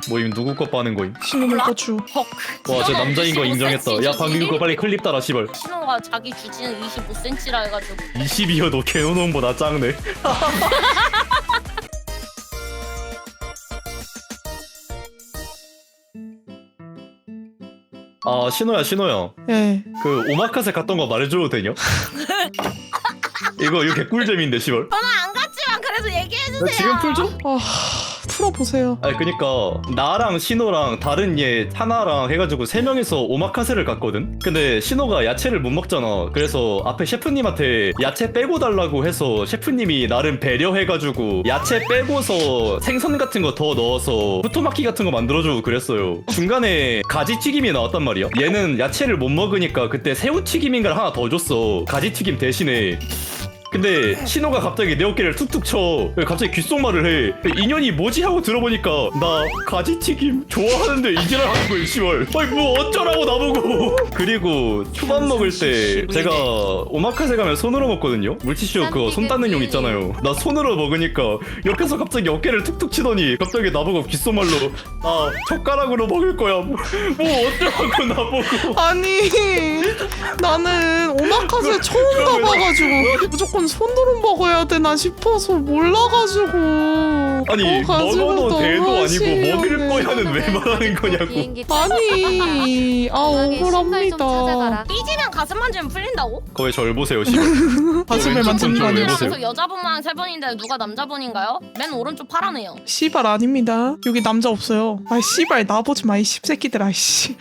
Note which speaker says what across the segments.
Speaker 1: 모임 누구 거 빠는 거임?
Speaker 2: 신호물 고추.
Speaker 3: 헉.
Speaker 1: 와, 저 남자인 거 인정했다. 야, 방금 그거 빨리 클립 따라, 씨발.
Speaker 3: 신호가 자기 주지는 25cm라 해가지고
Speaker 1: 20이어도 개노놈보다 작네. 아, 신호야.
Speaker 2: 예.
Speaker 1: 그 오마카세 갔던 거 말해줘도 되냐? 이거 개꿀잼인데, 씨발.
Speaker 3: 저는 안 갔지만 그래도 얘기해주세요.
Speaker 1: 나 지금 풀죠?
Speaker 2: 아, 풀어보세요.
Speaker 1: 아니, 그니까 나랑 신호랑 다른 얘 하나랑 해가지고 3명이서 오마카세를 갔거든? 근데 신호가 야채를 못 먹잖아. 그래서 앞에 셰프님한테 야채 빼고 달라고 해서 셰프님이 나름 배려해가지고 야채 빼고서 생선 같은 거 더 넣어서 후토마키 같은 거 만들어주고 그랬어요. 중간에 가지튀김이 나왔단 말이야. 얘는 야채를 못 먹으니까 그때 새우튀김인가를 하나 더 줬어. 가지튀김 대신에. 근데 신호가 갑자기 내 어깨를 툭툭 쳐. 갑자기 귓속말을 해. 인연이 뭐지 하고 들어보니까 나 가지튀김 좋아하는데 이지랄 하는 거야, 씨발. 아니 뭐 어쩌라고 나보고. 그리고 초밥 먹을 때 제가 오마카세 가면 손으로 먹거든요. 물티슈 그거 손 닦는 용 있잖아요. 나 손으로 먹으니까 옆에서 갑자기 어깨를 툭툭 치더니 갑자기 나보고 귓속말로 나 젓가락으로 먹을 거야. 뭐 어쩌라고 나보고.
Speaker 2: 아니, 나는 오마카세 처음 가봐가지고 무조건 손으로 먹어야 되나 싶어서 몰라가지고.
Speaker 1: 아니 먹어도
Speaker 2: 너무
Speaker 1: 대도 아니고
Speaker 2: 하시려네.
Speaker 1: 먹을 거야는 왜 말하는 거냐고.
Speaker 2: 아니, 억울합니다.
Speaker 3: 삐지면 가슴 만지면 풀린다고?
Speaker 1: 거의 절 보세요, 씨발.
Speaker 2: 가슴을
Speaker 1: 왼쪽
Speaker 2: 만지는 거
Speaker 1: 손
Speaker 2: 아니에요?
Speaker 1: 보세요.
Speaker 3: 그래서 여자분만 3번인데 누가 남자분인가요? 맨 오른쪽 파라네요.
Speaker 2: 씨발 아닙니다. 여기 남자 없어요. 아 씨발 나보지 마 이 씹새끼들아 씨.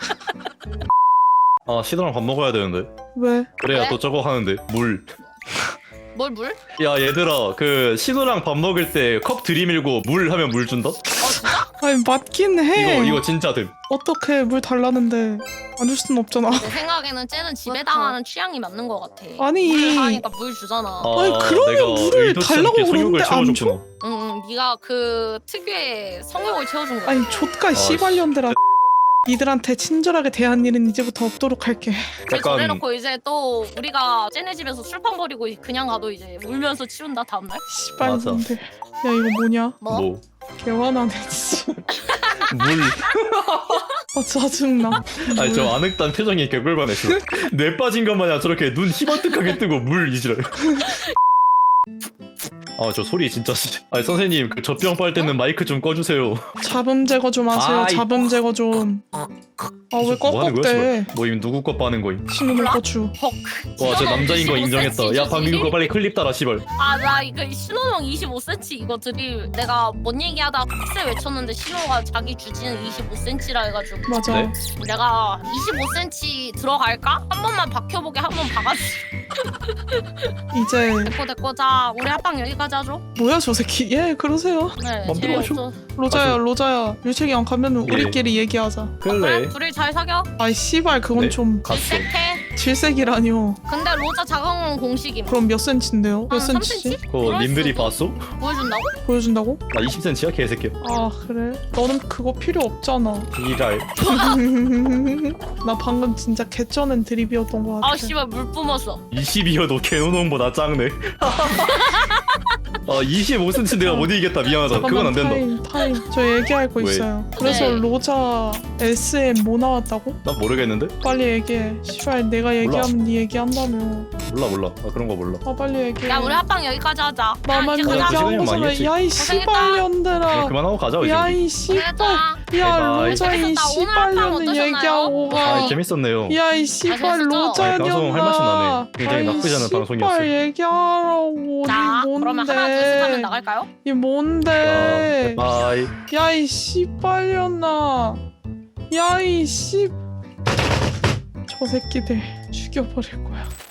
Speaker 1: 아, 시도랑 밥 먹어야 되는데.
Speaker 2: 왜?
Speaker 1: 그래야
Speaker 3: 왜?
Speaker 1: 또 저거 하는데. 물.
Speaker 3: 뭘 물?
Speaker 1: 야, 얘들아, 그 신호랑 밥 먹을 때 컵 들이밀고 물 하면 물 준다?
Speaker 2: 아니 맞긴 해.
Speaker 1: 이거 진짜 됨.
Speaker 2: 어떻게 물 달라는데 안 줄 수는 없잖아.
Speaker 3: 내 생각에는 쟤는 지배당하는 취향이 맞는 것 같아.
Speaker 2: 아니.
Speaker 3: 물을 하니까 물 주잖아.
Speaker 2: 아니, 그러면
Speaker 1: 내가
Speaker 2: 물을
Speaker 1: 의도치
Speaker 2: 달라고
Speaker 1: 않게 성욕을
Speaker 2: 그러는데 안
Speaker 1: 채워줬구나.
Speaker 3: 응, 네가 그 특유의 성욕을 채워준 거야.
Speaker 2: 아니 족가 씨발년들아. 니들한테 친절하게 대한 일은 이제부터 없도록 할게.
Speaker 3: 그래
Speaker 1: 약간
Speaker 3: 저래놓고 이제 또 우리가 쟤네 집에서 술판 버리고 그냥 가도 이제 울면서 치운다 다음날?
Speaker 2: 씨발년들. 야 이거 뭐냐?
Speaker 1: 뭐
Speaker 2: 개화나네 진짜.
Speaker 1: 물.
Speaker 2: 아 짜증나.
Speaker 1: 아니 저 아늑단 표정이 개꿀반했어. 뇌 빠진 것 마냥 저렇게 눈 희번뜩하게 뜨고 물 이지랄. 아, 저 소리 진짜. 아니 선생님 그 젖병 빨 때는 마이크 좀 꺼주세요.
Speaker 2: 잡음 제거 좀 하세요.
Speaker 1: 아이.
Speaker 2: 잡음 제거 좀. 아 왜
Speaker 1: 뭐 하는 거야,
Speaker 2: 꺽꺽대?
Speaker 1: 씨발? 모임 누구 거 빠는 거임?
Speaker 2: 신호물 고추.
Speaker 3: 헉.
Speaker 1: 와, 저 남자인 거 인정했다. 야, 방금 그거 빨리 클립 따라, 씨발.
Speaker 3: 나 이거 신호명 25cm 이거 드릴 내가 뭔 얘기하다 빡세 외쳤는데 신호가 자기 주지는 25cm라 해가지고
Speaker 2: 맞아.
Speaker 1: 네?
Speaker 3: 내가 25cm 들어갈까? 한 번만 박혀보게 한 번 박아주지.
Speaker 2: 이제
Speaker 3: 됐고 자 우리 합방 여기까지 하죠.
Speaker 2: 뭐야 저 새끼. 예 그러세요.
Speaker 3: 네
Speaker 1: 맘대로 하셔.
Speaker 3: 재미없어.
Speaker 2: 로자야 유책이 안 가면 우리끼리 얘기하자.
Speaker 1: 그래.
Speaker 3: 둘이 잘 사겨?
Speaker 2: 아이 씨발 그건
Speaker 1: 네.
Speaker 2: 좀
Speaker 1: 갔어.
Speaker 3: 질색해.
Speaker 2: 질색이라뇨.
Speaker 3: 근데 로자 작은 공식임.
Speaker 2: 그럼 몇 센치인데요? 몇
Speaker 3: 한
Speaker 2: 센치지?
Speaker 3: 3cm?
Speaker 1: 그거 님들이 봤어?
Speaker 3: 보여준다고?
Speaker 2: 보여준다고?
Speaker 1: 나 20cm야 개새끼야.
Speaker 2: 아 그래? 너는 그거 필요 없잖아.
Speaker 1: 이랄.
Speaker 2: 나 방금 진짜 개쩌는 드립이었던 것 같아.
Speaker 3: 아 씨발 물 뿜었어.
Speaker 1: 20이어도 개노놈보다 작네. 아 25cm 내가 못 이기겠다. 미안하다. 그건 안 된다.
Speaker 2: 타임. 저 얘기할 거
Speaker 1: 왜?
Speaker 2: 있어요. 그래서
Speaker 3: 네.
Speaker 2: 로자 SM 뭐 나왔다고?
Speaker 1: 난 모르겠는데?
Speaker 2: 빨리 얘기해. 씨발 내가 얘기하면 네 얘기한다며.
Speaker 1: 몰라. 아 그런 거 몰라.
Speaker 2: 아 빨리 얘기해.
Speaker 3: 야 우리 합방 여기까지 하자.
Speaker 2: 나만
Speaker 3: 이제
Speaker 1: 가자.
Speaker 3: 가자.
Speaker 1: 시간이
Speaker 2: 얘기한
Speaker 1: 많이
Speaker 2: 거잖아.
Speaker 1: 했지.
Speaker 2: 야이
Speaker 3: 고생했다.
Speaker 2: 씨발년들아.
Speaker 1: 그만하고 가자 이제.
Speaker 2: 야이 씨발.
Speaker 3: 고생했다.
Speaker 2: 야
Speaker 1: 바이바이.
Speaker 2: 로자 이
Speaker 3: 재밌었다. 오늘 합방
Speaker 2: 씨발년은
Speaker 3: 어떠셨나요?
Speaker 2: 얘기하고 가.
Speaker 1: 아 재밌었네요.
Speaker 2: 야이 씨발
Speaker 3: 재밌었죠?
Speaker 2: 로자년아.
Speaker 1: 방송 할 맛이 나네. 굉장히 나쁘지 않은 방송이었어요.
Speaker 2: 씨발 얘기하라고.
Speaker 3: 자
Speaker 2: 이
Speaker 3: 그러면
Speaker 2: 뭔데?
Speaker 3: 하나 둘 셋 하면 나갈까요?
Speaker 2: 이 뭔데?
Speaker 1: 바이.
Speaker 2: 야이 씨발년아. 야이 씨. 저 새끼들 죽여버릴 거야.